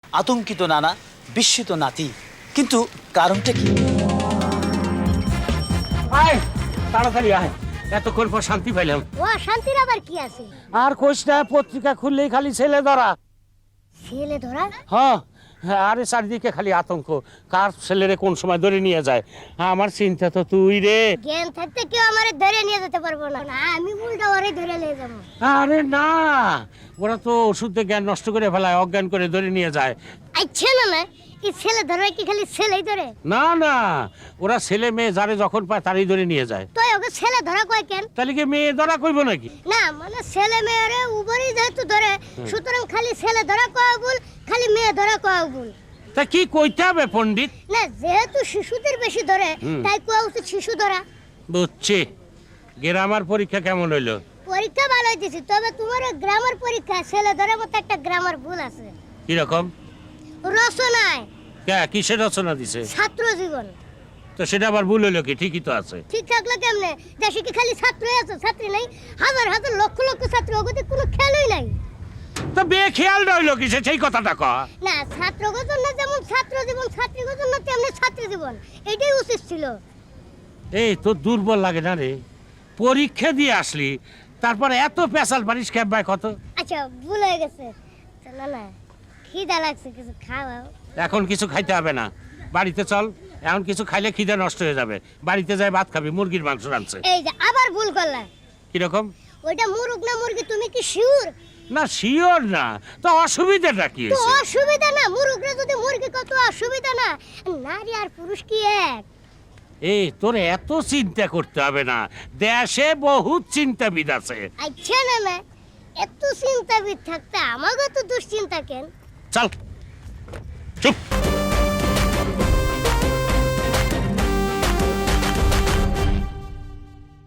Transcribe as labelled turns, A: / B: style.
A: আতঙ্কিত নানা, বিস্মিত নাতি। কিন্তু কারণটা কি?
B: আয় তাড়াতাড়ি আয়, এতক্ষণ পর শান্তি পাইলাম।
C: ও শান্তির আবার কি আছে?
B: আর কোশ না, পত্রিকা খুললেই খালি ছেলে ধরা।
C: ছেলে ধরা?
B: হ্যাঁ, আরে চারিদিকে খালি আতঙ্ক, কার ছেলেরে কোন সময় ধরে নিয়ে যায়। আমার চিন্তা তো তুই রে।
C: জ্ঞান থাকতে কেউ আমারে ধরে নিয়ে যেতে পারবো না, আমি উল্টা ওরে ধরে নিয়ে যাবো।
B: আরে না, ওরা তো ওষুধে জ্ঞান নষ্ট করে ফেলায়, অজ্ঞান করে ধরে নিয়ে যায়।
C: আচ্ছা না না, এই ছেলে ধরে কি খালি ছেলেই ধরে?
B: না না, ওরা ছেলে মেয়ে যারে যখন পায় তারই ধরে নিয়ে যায়।
C: তো ওকে ছেলে ধরা কয় কেন?
B: তাহলে কি মেয়ে ধরা কইব নাকি?
C: না মানে ছেলে মেয়েরে উভরই যেহেতু ধরে, সুতরাং খালি ছেলে ধরা কয় ভুল, খালি মেয়ে ধরা কয় ভুল।
B: তা কি কইতে হবে পণ্ডিত?
C: না যেহেতু শিশুদের বেশি ধরে, তাই কোয়া উচিত শিশু ধরা।
B: বুঝছি। গ্রামার পরীক্ষা কেমন হইলো?
C: পরীক্ষা ভালোই দিছি, তবে তোমার গ্রামার পরীক্ষা ছেলে ধরার মতো একটা গ্রামার ভুল আছে।
B: কিরকম?
C: রচনায়
B: কিসের রচনা দিছে?
C: ছাত্র জীবন।
B: তো সেটা আবার ভুল হইলো কি? ঠিকই তো আছে।
C: ঠিক থাকলে কেমনে? দেশে কি খালি ছাত্রই আছে? ছাত্রী নাই, হাজার হাজার লক্ষ লক্ষ ছাত্র, ওগতে কোনো খেয়ালই নাই।
B: তো বেখেয়াল রইলো কিসে, সেই কথাটা ক।
C: না ছাত্রগত না, যেমন ছাত্র জীবন, ছাত্রীগত না তেমনি ছাত্রী জীবন, এটাই উচিত ছিল।
B: এই তোর দুর্বল লাগে না রে? পরীক্ষা দিয়ে আসলি, তারপরে এত পেশাল পারিস ক্যাম্পায় কত?
C: আচ্ছা ভুল হয়ে গেছে। না না, খিদা লাগছে, কিছু খাওয়াও।
B: এখন কিছু খাইতে হবে না, বাড়িতে চল। এখন কিছু খাইলে খিদে নষ্ট হয়ে যাবে। বাড়িতে যাই ভাত খাবি, মুরগির মাংস রাঁধছে।
C: এই যে আবার ভুল করলা।
B: কিরকম?
C: ওইটা মুরগ না মুরগি, তুমি কি শিওর?
B: না শিওর না, তো অসুবিধাটা কি
C: তো
B: হয়েছে?
C: অসুবিধা না, মুরগরে যদি মুরগি, কত অসুবিধা না। নারী আর পুরুষ কি এক?
B: এই তোর এত চিন্তা করতে হবে না, দেশে বহুত চিন্তাবিদ আছে।
C: আচ্ছা না না, এত চিন্তাবিদ থাকতে আমাকে তো দুশ্চিন্তা কেন?
B: চল চুপ।